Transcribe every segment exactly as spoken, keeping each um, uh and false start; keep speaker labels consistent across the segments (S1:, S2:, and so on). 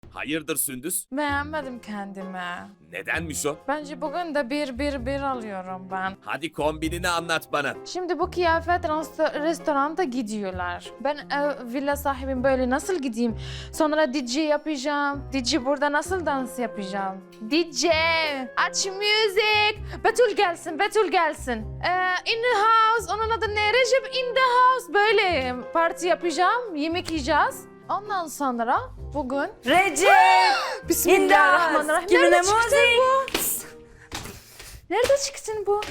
S1: Hayırdır Sündüz?
S2: Beğenmedim kendimi.
S1: Nedenmiş o?
S2: Bence bugün de bir bir bir alıyorum ben.
S1: Hadi kombinini anlat bana.
S2: Şimdi bu kıyafet rest- restoranda gidiyorlar. Ben ev, villa sahibim, böyle nasıl gideyim? Sonra D J yapacağım. D J burada nasıl dans yapacağım? D J aç müzik. Betül gelsin, Betül gelsin. Ee, in the house. Onun adı ne? Recep in the house. Böyle parti yapacağım. Yemek yiyeceğiz. Ondan sonra bugün...
S3: Recep!
S2: Bismillahirrahmanirrahim.
S3: Kimine
S2: Nerede çıktı
S3: müzik?
S2: bu? Nerede çıktı bu?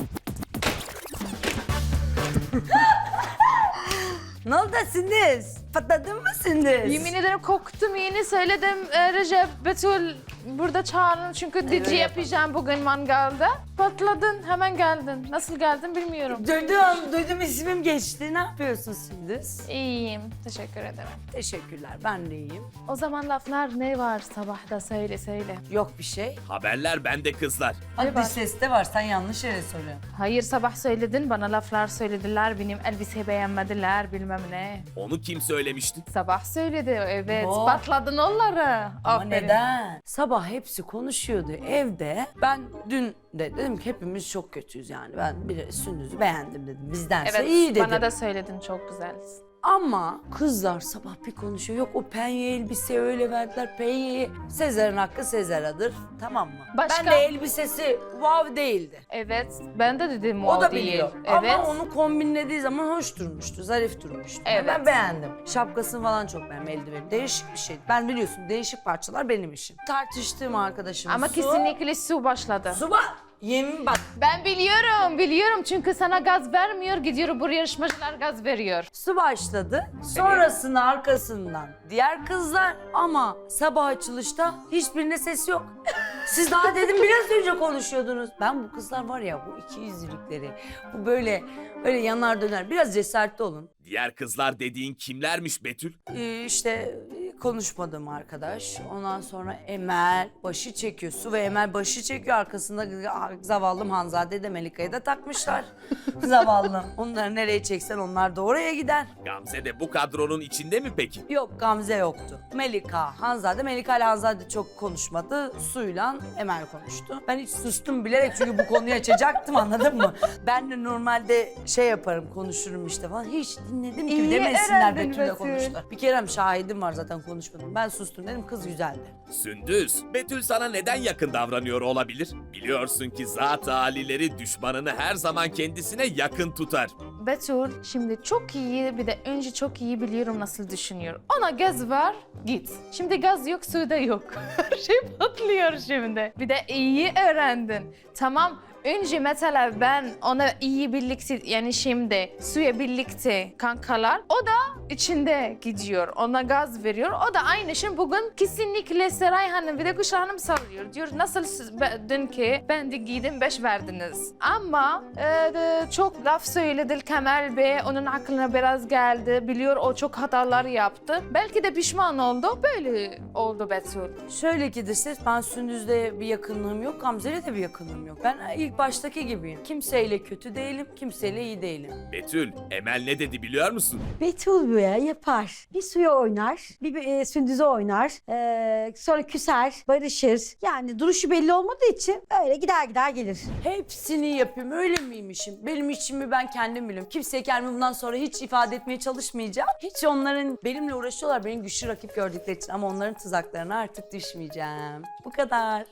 S3: Ne oldu Sündüz? Patladın mı Sündüz?
S2: Yemin ederim korktum, yeni söyledim e, Recep, Betül burada çağırın çünkü D J yapacağım bugün mangalda. Patladın, hemen geldin. Nasıl geldin bilmiyorum.
S3: Duydum, duydum ismim geçti. Ne yapıyorsun Sündüz?
S2: İyiyim, teşekkür ederim.
S3: Teşekkürler, ben de iyiyim.
S2: O zaman laflar ne var sabahta, söyle söyle.
S3: Yok bir şey.
S1: Haberler bende kızlar.
S3: Hadi
S2: var?
S3: ses de var, sen yanlış yere söylüyorsun.
S2: Hayır, sabah söyledin, bana laflar söylediler, benim elbise beğenmediler, bilmem ne.
S1: Onu kim söylemişti?
S2: Sabah söyledi, evet,
S3: Oh.
S2: patladın onları.
S3: Ama
S2: Aferin.
S3: neden? Sabah hepsi konuşuyordu evde. Ben dün de dedim ki hepimiz çok kötüyüz yani. Ben bir Sündüz'ü beğendim dedim. Bizdense
S2: Evet,
S3: iyi dedim.
S2: bana da söyledin, çok güzelsin.
S3: Ama kızlar sabah bir konuşuyor. Yok o penye elbise öyle verdiler penyeyi. Sezer'in hakkı Sezer'adır. Tamam mı?
S2: Başka?
S3: Ben de elbisesi wow değildi.
S2: Evet, ben de dedim
S3: O
S2: o,
S3: da
S2: değil.
S3: biliyor.
S2: Evet.
S3: Ama onu kombinlediği zaman hoş durmuştu, zarif durmuştu.
S2: Evet.
S3: Ben beğendim. Şapkasını falan çok beğendim, eldiveni. Değişik bir şey. Ben biliyorsun değişik parçalar benim işim. Tartıştığım arkadaşım
S2: Ama
S3: Su.
S2: kesinlikle su başladı.
S3: Su bak. Yemin bak.
S2: Ben biliyorum, biliyorum çünkü sana gaz vermiyor, gidiyor buraya yarışmacılar gaz veriyor.
S3: Su başladı. Sonrasında arkasından diğer kızlar ama sabah açılışta hiçbirinde ses yok. Siz daha dedim biraz önce konuşuyordunuz. Ben bu kızlar var ya bu iki yüzlülükleri, bu böyle böyle yanar döner. Biraz cesaretli olun.
S1: Diğer kızlar dediğin kimlermiş Betül?
S3: Ee, işte konuşmadığım arkadaş. Ondan sonra Emel başı çekiyor. Su ve Emel başı çekiyor. Arkasında zavallım Hanzade de Melika'yı da takmışlar. Zavallım. Onları nereye çeksen onlar da oraya gider.
S1: Gamze de bu kadronun içinde mi peki?
S3: Yok Gamze yoktu. Melika, Hanzade. Melika ile Hanzade çok konuşmadı. Su'yla Emel konuştu. Ben hiç sustum bilerek çünkü bu konuyu açacaktım anladın mı? Ben de normalde şey yaparım konuşurum işte falan. Hiç dinledim ki
S2: İyi
S3: demesinler
S2: öğrendin
S3: Betül'le
S2: Betül.
S3: konuştular. Bir kerem şahidim var zaten konuşmadım. Ben sustum dedim kız güzeldi.
S1: Sündüz, Betül sana neden yakın davranıyor olabilir? Biliyorsun ki zat halileri düşmanını her zaman kendisine yakın tutar.
S2: Betül şimdi çok iyi, bir de önce çok iyi biliyorum nasıl düşünüyor. Ona gaz var, git. Şimdi gaz yok, su da yok. Her şey patlıyor şimdi. Bir de iyi öğrendin. Tamam. Önce mesela ben ona iyi birlikte yani şimdi suya birlikte kankalar o da içinde gidiyor ona gaz veriyor o da aynı şey bugün kesinlikle Seray Hanım bir de Kuşa Hanım sallıyor diyor nasıl siz be- dünkü ben de giydim beş verdiniz ama e, de, çok laf söyledi Kemal Bey onun aklına biraz geldi biliyor o çok hatalar yaptı belki de pişman oldu böyle oldu Betül.
S3: Şöyle ki de ses ben Sündüz'le bir yakınlığım yok. Gamze'yle de bir yakınlığım yok. Ben ilk baştaki gibiyim. Kimseyle kötü değilim, kimseyle iyi değilim.
S1: Betül, Emel ne dedi biliyor musun?
S4: Betül böyle yapar. Bir suya oynar, bir, bir e, Sündüz'e oynar. Ee, sonra küser, barışır. Yani duruşu belli olmadığı için öyle gider gider gelir.
S3: Hepsini yapayım öyle miymişim? Benim içimi ben kendim biliyorum. Kimseye kendimi bundan sonra hiç ifade etmeye çalışmayacağım. Hiç onların benimle uğraşıyorlar benim güçlü rakip gördükleri için ama onların tuzaklarına artık düşmeyeceğim. Bu kadar.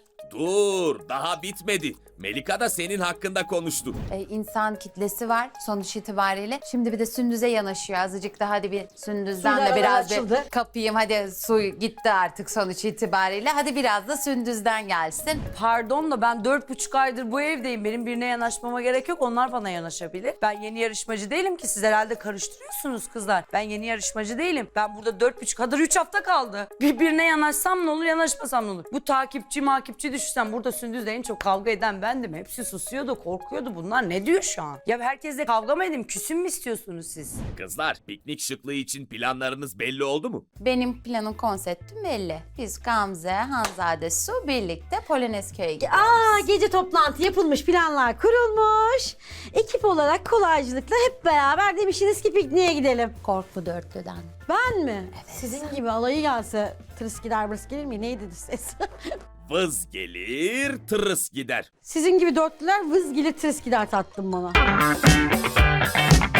S1: Dur, daha bitmedi. Melika da senin hakkında konuştu.
S5: e, insan kitlesi var sonuç itibariyle. Şimdi bir de Sündüz'e yanaşıyor azıcık da hadi bir Sündüz'den
S4: Suyla
S5: de biraz
S4: açıldı.
S5: bir kapayım hadi su gitti artık sonuç itibariyle. Hadi biraz da Sündüz'den gelsin.
S3: Pardon da ben dört buçuk aydır bu evdeyim. Benim birine yanaşmama gerek yok. Onlar bana yanaşabilir. Ben yeni yarışmacı değilim ki. Siz herhalde karıştırıyorsunuz kızlar. Ben yeni yarışmacı değilim. Ben burada dört buçuk, kadar üç hafta kaldı. Birbirine yanaşsam ne olur, yanaşmasam ne olur? Bu takipçi makipçi düşünsen burada Sündüz'le en çok kavga eden bendim. Hepsi susuyordu, korkuyordu. Bunlar ne diyor şu an? Ya herkesle kavga mı edeyim? Küsüm mü istiyorsunuz siz?
S1: Kızlar, piknik şıklığı için planlarınız belli oldu mu?
S5: Benim planın konseptim belli. Biz Gamze, Hanzade, Su birlikte Polonezköy'e gidiyoruz.
S4: Aa, gece toplantı yapılmış, planlar kurulmuş. Ekip olarak kolaycılıkla hep beraber demişsiniz ki pikniğe gidelim.
S5: Korklu dörtlüden.
S4: Ben mi? Sizin gibi alayı gelse tırıs gider bırs gelir mi? Neydi ses?
S1: Vız gelir, tırıs gider.
S4: Sizin gibi dörtlüler vız gelir tırıs gider tattım bana.